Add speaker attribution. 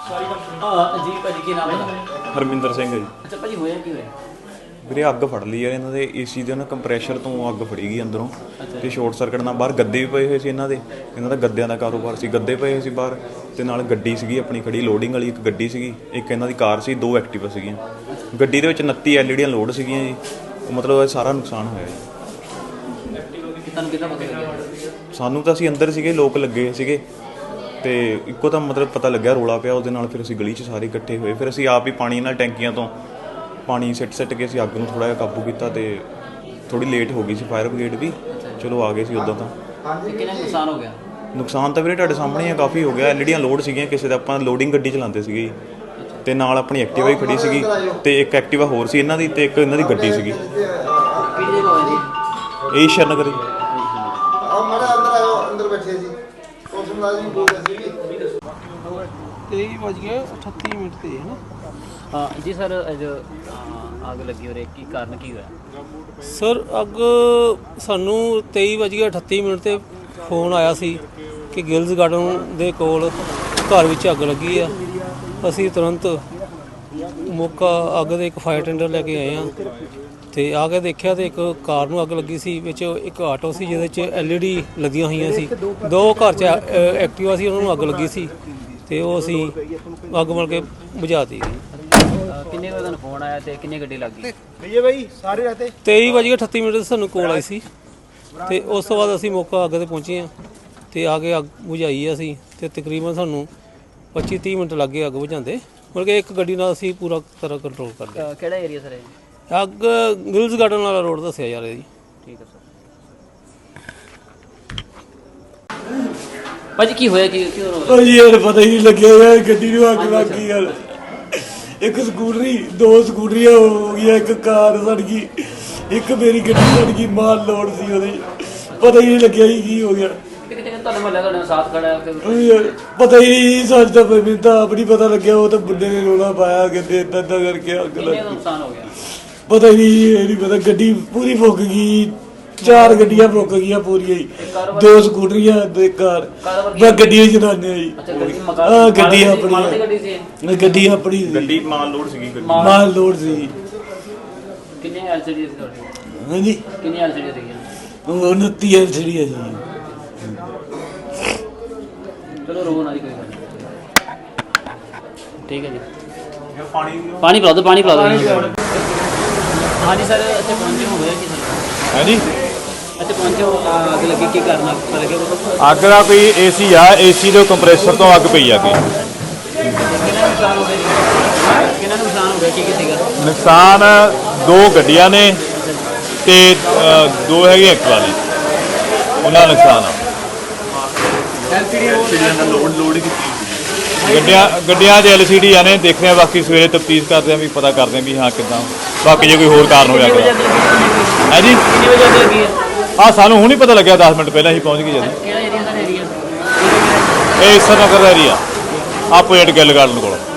Speaker 1: जी भाजी की नाम है?
Speaker 2: ਹਰਮਿੰਦਰ ਸਿੰਘ ਹੈ ਜੀ।
Speaker 1: अच्छा भाजी होया की होया?
Speaker 2: ਵੀਰੇ ਅੱਗ ਫੜ ਲਈ ਯਾਰ ਇਹਨਾਂ ਦੇ ਏਸੀ ਦੇ ਨਾ ਕੰਪਰੈਸ਼ਰ ਤੋਂ ਅੱਗ ਫੜੀ ਗਈ ਅੰਦਰੋਂ ਤੇ ਸ਼ਾਰਟ ਸਰਕਟ ਨਾਲ ਬਾਹਰ ਗੱਦੇ ਵੀ ਪਏ ਹੋਏ ਸੀ ਇਹਨਾਂ ਦਾ ਗੱਦਿਆਂ ਦਾ ਕਾਰੋਬਾਰ ਸੀ, ਗੱਦੇ ਪਏ ਹੋਏ ਸੀ ਬਾਹਰ ਤੇ ਨਾਲ ਗੱਡੀ ਸੀਗੀ ਆਪਣੀ ਖੜੀ ਲੋਡਿੰਗ ਵਾਲੀ, ਇੱਕ ਗੱਡੀ ਸੀਗੀ, ਇੱਕ ਇਹਨਾਂ ਦੀ ਕਾਰ ਸੀ, 2 ਐਕਟਿਵਾ ਸੀਗੀਆਂ। ਗੱਡੀ ਦੇ ਵਿੱਚ 29 ਐਲਈਡੀਆਂ ਲੋਡ ਸੀਗੀਆਂ ਜੀ। ਮਤਲਬ ਸਾਰਾ ਨੁਕਸਾਨ ਹੋਇਆ ਜੀ।
Speaker 1: ਤੁਹਾਨੂੰ ਕਿੱਦਾਂ ਪਤਾ ਲੱਗਿਆ?
Speaker 2: ਸਾਨੂੰ ਤਾਂ ਅਸੀਂ ਅੰਦਰ ਸੀਗੇ, ਲੋਕ ਲੱਗੇ ਸੀਗੇ ਤੇ ਇੱਕੋ ਤਾਂ ਮਤਲਬ ਪਤਾ ਲੱਗਿਆ ਰੋਲਾ ਪਿਆ ਉਹਦੇ ਨਾਲ। ਫਿਰ ਅਸੀਂ ਗਲੀ 'ਚ ਸਾਰੇ ਇਕੱਠੇ ਹੋਏ, ਫਿਰ ਅਸੀਂ ਆਪ ਹੀ ਪਾਣੀ ਨਾਲ ਟੈਂਕੀਆਂ ਤੋਂ ਪਾਣੀ ਸਿੱਟ ਕੇ ਅਸੀਂ ਅੱਗ ਨੂੰ ਥੋੜ੍ਹਾ ਜਿਹਾ ਕਾਬੂ ਕੀਤਾ ਤੇ ਥੋੜ੍ਹੀ ਲੇਟ ਹੋ ਗਈ ਸੀ ਫਾਇਰ ਬ੍ਰਿਗੇਡ ਵੀ, ਚਲੋ ਆ ਗਏ ਸੀ ਉੱਦਾਂ ਤਾਂ।
Speaker 1: ਕਿੰਨਾ ਨੁਕਸਾਨ ਹੋ ਗਿਆ?
Speaker 2: ਨੁਕਸਾਨ ਤਾਂ ਵੀਰੇ ਤੁਹਾਡੇ ਸਾਹਮਣੇ ਆ, ਕਾਫੀ ਹੋ ਗਿਆ। ਐਲਈਡੀਆਂ ਲੋਡ ਸੀਗੀਆਂ ਕਿਸੇ ਦਾ, ਆਪਾਂ ਲੋਡਿੰਗ ਗੱਡੀ ਚਲਾਉਂਦੇ ਸੀਗੇ ਤੇ ਨਾਲ ਆਪਣੀ ਐਕਟਿਵਾ ਹੀ ਖੜੀ ਸੀਗੀ ਤੇ ਇੱਕ ਐਕਟਿਵਾ ਹੋਰ ਸੀ ਇਹਨਾਂ ਦੀ ਤੇ ਇੱਕ ਇਹਨਾਂ ਦੀ ਗੱਡੀ ਸੀਗੀ।
Speaker 1: ਕਿਹੜੀ ਜਗ੍ਹਾ ਹੋਇਆ ਜੀ?
Speaker 2: ਇਹ ਸ਼ਰਨਗਰ ਜੀ।
Speaker 3: ਅੰਦਰ ਬੈਠੇ ਸੀ ਉਸ ਮੁਲਾਜ਼ਮ ਬੋਲਦੇ ਸੀ
Speaker 4: 23:38 ਤੇ ਹੈ ਨਾ
Speaker 1: जी सर जो आग लगी हो रही की कारण की होया?
Speaker 4: ਸਰ ਅੱਗ ਸਾਨੂੰ 23:38 ਤੇ ਫੋਨ ਆਇਆ ਸੀ ਕਿ ਗਿਲਜ਼ ਗਾਰਡਨ ਦੇ ਕੋਲ ਘਰ ਵਿੱਚ ਅੱਗ ਲੱਗੀ ਆ। ਅਸੀਂ ਤੁਰੰਤ ਮੌਕਾ ਅੱਗ ਦੇ ਇੱਕ ਫਾਇਰ ਟੈਂਡਰ ਲੈ ਕੇ ਆਏ ਆ ਤੇ ਆ ਕੇ ਦੇਖਿਆ ਤੇ ਇੱਕ ਕਾਰ ਨੂੰ ਅੱਗ ਲੱਗੀ ਸੀ, ਵਿੱਚ ਇੱਕ ਆਟੋ ਸੀ ਜਿਹਦੇ 'ਚ ਐਲਈਡੀ ਲੱਗੀਆਂ ਹੋਈਆਂ ਸੀ, 2 ਘਰ 'ਚ ਐਕਟਿਵਾ ਸੀ, ਉਹਨਾਂ ਨੂੰ ਅੱਗ ਲੱਗੀ ਸੀ ਤੇ ਉਹ ਅਸੀਂ ਅੱਗ ਮਲ ਕੇ ਬੁਝਾਤੀ।
Speaker 1: किन्ने बजे फोन आया ते किन्नी गड्डी लग गई?
Speaker 3: ਭਈਏ ਭਾਈ ਸਾਰੇ ਰਹਤੇ
Speaker 4: 23:38 ਤੇ ਸਾਨੂੰ ਕੋਲ ਆਈ ਸੀ ਤੇ ਉਸ ਤੋਂ ਬਾਅਦ ਅਸੀਂ ਮੌਕਾ ਅੱਗ ਤੇ ਪਹੁੰਚੇ ਆ ਤੇ ਆ ਕੇ ਅੱਗ ਬੁਝਾਈ ਆ ਅਸੀਂ ਤੇ ਤਕਰੀਬਨ ਸਾਨੂੰ 25-30 ਮਿੰਟ ਲੱਗੇ ਅੱਗ ਬੁਝਾਉਂਦੇ। ਮਤਲਬ ਕਿ ਇੱਕ ਗੱਡੀ ਨਾਲ ਅਸੀਂ ਪੂਰਾ ਤਰ੍ਹਾਂ ਕੰਟਰੋਲ ਕਰ ਲਿਆ।
Speaker 1: ਕਿਹੜਾ ਏਰੀਆ ਸਰ ਇਹ?
Speaker 4: ਅੱਗ ਗਿਲਜ਼ ਗਾਰਡਨ ਵਾਲਾ ਰੋਡ ਦੱਸਿਆ ਜਾ ਰਿਹਾ ਜੀ।
Speaker 1: ਠੀਕ ਹੈ ਸਰ। ਭਾਜੀ ਕੀ ਹੋਇਆ ਕੀ ਕਿਉਂ ਰੋ
Speaker 5: ਭਾਜੀ ਯਾਰ ਪਤਾ ਹੀ ਨਹੀਂ ਲੱਗਿਆ ਯਾਰ, ਗੱਡੀ ਨੂੰ ਅੱਗ ਲੱਗ ਗਈ ਯਾਰ। ਇੱਕ ਸਕੂਟਰੀ, 2 ਸਕੂਟਰੀਆਂ ਹੋ ਗਈਆਂ, ਇੱਕ ਕਾਰ ਸੜ ਗਈ, ਇੱਕ ਮੇਰੀ ਗੱਡੀ ਸੜ ਗਈ, ਮਾਲ ਲੋਡ ਸੀ ਉਹਦੇ। ਪਤਾ ਹੀ ਨਹੀਂ ਲੱਗਿਆ ਜੀ ਕੀ ਹੋ ਗਿਆ।
Speaker 1: ਕਿਤੇ ਤੁਹਾਡੇ ਮਹੱਲੇ ਤੁਹਾਡੇ ਸਾਥ ਖੜਾ ਫਿਰ
Speaker 5: ਪਤਾ ਹੀ ਨਹੀਂ ਸੱਚ ਤਾਂ ਮੈਨੂੰ ਤਾਂ ਆਪ ਨਹੀਂ ਪਤਾ ਲੱਗਿਆ। ਉਹ ਤਾਂ ਬੁੱਢੇ ਨੇ ਰੋਲਾ ਪਾਇਆ ਕਹਿੰਦੇ ਏਦਾਂ ਕਰਕੇ ਅੱਗ ਲੱਗ
Speaker 1: ਕਿੰਨੇ ਦਾ
Speaker 5: ਗਈ।
Speaker 1: ਨੁਕਸਾਨ ਹੋ ਗਿਆ?
Speaker 5: ਪਤਾ ਹੀ ਨਹੀਂ, ਇਹ ਨਹੀਂ ਪਤਾ। ਗੱਡੀ ਪੂਰੀ ਫੁੱਕ ਗਈ, 4 ਗੱਡੀਆਂ ਫੁੱਕ ਗਈਆਂ ਪੂਰੀਆਂ ਹੀ, 2 ਸਕੂਟਰੀਆਂ ਤੇ ਕਾਰ। ਮੈਂ ਗੱਡੀਆਂ ਚਲਾਉਂਦੇ ਆ ਜੀ।
Speaker 1: ਅੱਛਾ ਗੱਡੀ
Speaker 5: ਹਾਂ ਗੱਡੀ ਆਪਣੀ
Speaker 1: ਮਾਲ ਦੀ ਗੱਡੀ ਸੀ?
Speaker 5: ਗੱਡੀ ਆਪਣੀ ਸੀ।
Speaker 2: ਗੱਡੀ ਮਾਲ ਲੋਡ ਸੀਗੀ ਗੱਡੀ।
Speaker 5: ਮਾਲ ਲੋਡ ਸੀ।
Speaker 1: ਕਿੰਨੇ ਐਲਸੀਡੀ ਸੀ ਤੁਹਾਡੀ?
Speaker 5: ਹਾਂਜੀ
Speaker 1: ਕਿੰਨੀ ਐਲਸੀਡੀ ਸੀਗੀਆਂ?
Speaker 5: 29 ਐਲਸੀਡੀ ਹੈ ਜੀ।
Speaker 1: ਚਲੋ ਰੋ ਨਾ ਜੀ, ਕੋਈ ਗੱਲ ਨਹੀਂ। ਠੀਕ ਹੈ ਜੀ।
Speaker 2: ਪਾਣੀ
Speaker 1: ਪਾਣੀ ਪਿਲਾ ਦਿਓ, ਪਾਣੀ ਪਿਲਾ ਦਿਓ। ਹਾਂਜੀ ਸਰ, ਇੱਥੇ ਪਹੁੰਚੇ ਹੋਇਆ ਕੀ ਸਰ?
Speaker 2: ਹੈ ਜੀ।
Speaker 1: ਇੱਥੇ ਪਹੁੰਚੇ ਹੋ, ਅੱਗ ਲੱਗੀ ਕੀ ਕਰਨਾ ਪਤਾ ਲੱਗਿਆ?
Speaker 2: ਅੱਗ ਦਾ ਕੋਈ ਏਸੀ ਆ, ਏਸੀ ਦੇ ਕੰਪਰੈਸਰ ਤੋਂ ਅੱਗ ਪਈ ਆ ਕੋਈ।
Speaker 1: ਕਿੰਨਾ ਨੁਕਸਾਨ ਹੋ ਗਿਆ ਜੀ? ਕਿੰਨਾ ਨੁਕਸਾਨ ਹੋ ਗਿਆ, ਕੀ ਕੀ ਸੀਗਾ?
Speaker 2: ਨੁਕਸਾਨ 2 ਗੱਡੀਆਂ ਨੇ ਤੇ 2 ਹੈਗੇ ਐਕਟਿਵਾ ਨੇ, ਉਹਨਾਂ ਦਾ ਨੁਕਸਾਨ ਆ। ਗੱਡੀਆਂ 'ਚ LCD ਨੇ, ਦੇਖਦੇ ਆ ਬਾਕੀ ਸਵੇਰੇ ਤਫਤੀਸ਼ ਕਰਦੇ ਆ ਵੀ ਪਤਾ ਕਰਦੇ ਆ ਵੀ ਹਾਂ ਕਿੱਦਾਂ, ਬਾਕੀ ਜੇ ਕੋਈ ਹੋਰ ਕਾਰਨ ਹੋਇਆ ਹੈ ਜੀ।
Speaker 1: ਕਿੰਨੇ ਵਜੇ ਅੱਗ ਲੱਗੀ ਹੈ?
Speaker 2: ਹਾਂ ਸਾਨੂੰ ਹੁਣ ਹੀ ਪਤਾ ਲੱਗਿਆ, 10 ਮਿੰਟ ਪਹਿਲਾਂ ਅਸੀਂ ਪਹੁੰਚ ਗਏ ਜਦੋਂ।
Speaker 1: ਕਿਹੜਾ ਏਰੀਆ ਸਰ? ਏਰੀਆ
Speaker 2: ਇਹ ਈਸਰ ਨਗਰ ਦਾ ਏਰੀਆ, ਆਪੋਜ਼ਿਟ ਗਿੱਲ ਗਾਰਡਨ ਕੋਲ।